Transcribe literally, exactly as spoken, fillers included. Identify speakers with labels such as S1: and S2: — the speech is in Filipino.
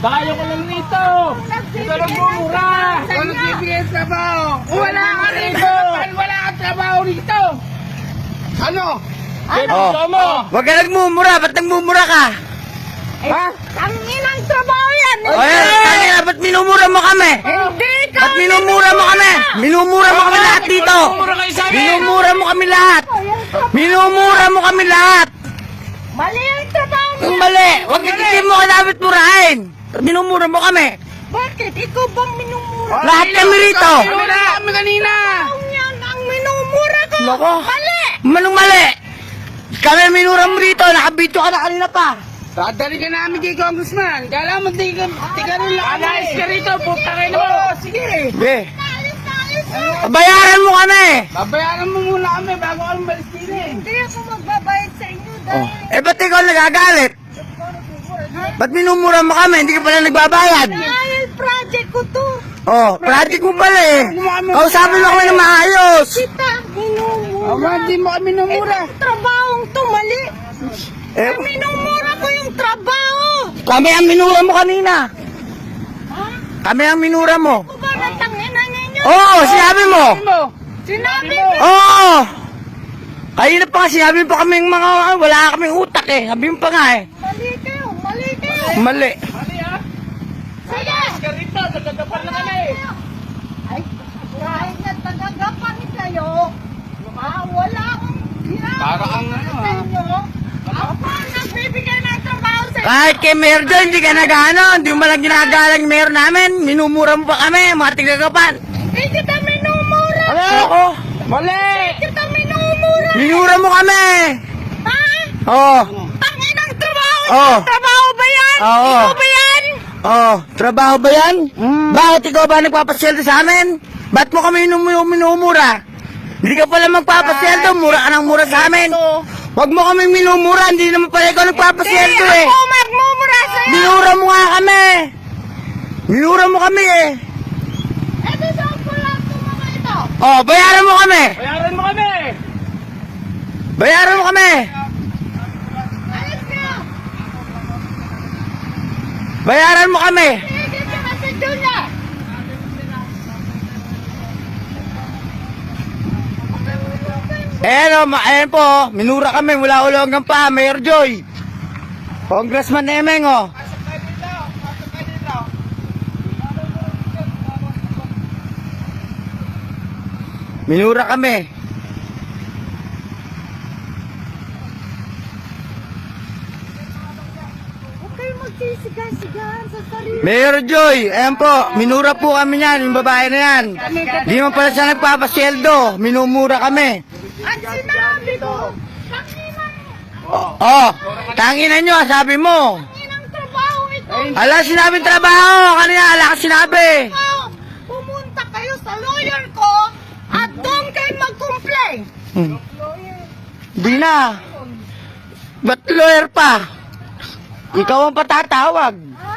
S1: Bayo ko lang rito. Ito lang bumura. Ito nagbibigay ng trabaho. Wala ka rito. Wala kang trabaho rito. Ano?
S2: Ano?
S1: Gusto mo?
S2: Huwag ka nagmumura, ba't nagmumura ka?
S1: Ha?
S3: Tangin ang trabaho yan!
S2: O yan, tangina, ba't minumura mo kami?
S3: Hindi ka!
S2: Ba't minumura mo kami? Minumura mo kami lahat dito.
S1: Mura kayo sa amin.
S2: Minumura mo kami lahat. Minumura mo kami lahat.
S3: Mali ang trabaho
S2: Ang
S3: niya!
S2: mali. Huwag hindi mo ka dapat murahin. Minumura mo kami.
S3: Bakit? Ikaw bang minumura?
S2: Lahat kami rito.
S1: Wala kami kanina.
S3: Ang yan ang minumura ko!
S2: Nako.
S3: Mali!
S2: Manong mali. Kami minura mo rito. Nakabito ka na kanina pa.
S1: Dadali ka namin kay Congressman. Kala mo di ka, di ka rin lang kami. Alayos ka rito. Puta kayo na mo. Sige.
S2: Be,
S3: Ayos na ayos na!
S2: bayaran mo kami.
S1: Babayaran mo muna kami bago kami malis din eh.
S3: Hindi ako magbabayad sa inyo
S2: Oh.
S3: dahil...
S2: Eh, ba't ikaw nagagalit? Ba't minumura mo kami? Hindi ka pala nagbabayad.
S3: Dahil project ko to!
S2: Oh, project mo pala eh. Kausapin mo kami ng maayos.
S3: Kita, minumura!
S1: Ama, di mo kami namura.
S3: Itong trabahong to, mali!
S2: Eh,
S3: Minumura ko yung trabaho!
S2: kami ang minura mo kanina.
S3: Ha?
S2: Kami ang minura mo.
S3: Ako ba natanginan ninyo?
S2: Oo, oh, sinabi mo.
S1: Mo.
S3: Sinabi
S1: mo.
S3: mo!
S2: Oo. Kanina pa nga sinabi pa kaming mga wala kaming utak eh. Sabi mo pa nga eh.
S3: Mali kayo! Mali kayo!
S2: Mali.
S1: Mali ha?
S3: Sige!
S1: Ka rito. Nagkagapan na kami.
S3: Ay, kahit na tagagapan kayo, ah, wala akong ginagawa
S1: Para ang ano,
S3: sa inyo. Ako ang nagbibigay ng trabaho sa inyo.
S2: Kahit kay Mayor John, hindi ka nag-ano. Hindi mo malang ginagalang Mayor namin. Minumura mo pa kami, mga tigagapan.
S3: Hindi kita minumura!
S2: Ano ako?
S1: Mali.
S3: Kita minumura!
S2: Minura mo kami.
S3: Ha?
S2: Oo.
S3: Tangin ang trabaho!
S2: Oo.
S3: Trabaho ba yan?
S2: Oo.
S3: Ikaw ba yan?
S2: Oh, trabaho ba yan? Bakit ikaw ba nagpapasweldo sa amin? Ba't mo kami minum- minumura? Hindi ka pala magpapasweldo, mura ka ng mura sa amin. Huwag mo kami minumura, hindi naman pala ikaw nagpapasweldo eh.
S3: Ako magmumura sa'yo!
S2: Minura mo nga kami. Minura mo kami eh.
S3: Ito saan ko lang itong mga ito?
S2: Oh, bayaran mo kami.
S1: Bayaran mo kami.
S2: Bayaran mo kami.
S3: Alis kayo!
S2: Bayaran mo kami.
S3: Higit ka na sa Junior!
S2: Ayan o, ma- ayan po, oh. Minura kami mula ulo hanggang pa, Mayor Joy. Congressman Emeng oh. Minura kami.
S3: Huwag kayo magsisigan-sigan sa sarili.
S2: Mayor Joy, ayan po, minura po kami yan, yung babae na yan. Di man pala siya nagpapasyeldo, minumura kami.
S3: At sinabi ko, tanginan
S2: Oh, oh tanginan nyo, sabi mo.
S3: Tanginang trabaho ito!
S2: Ala, sinabing trabaho, kanina, ala ka sinabi.
S3: Oh, pumunta kayo sa lawyer ko at doon kayo mag-complain!
S2: Hmm. Di na. Ba't lawyer pa? Ikaw ang patatawag.
S3: Ha?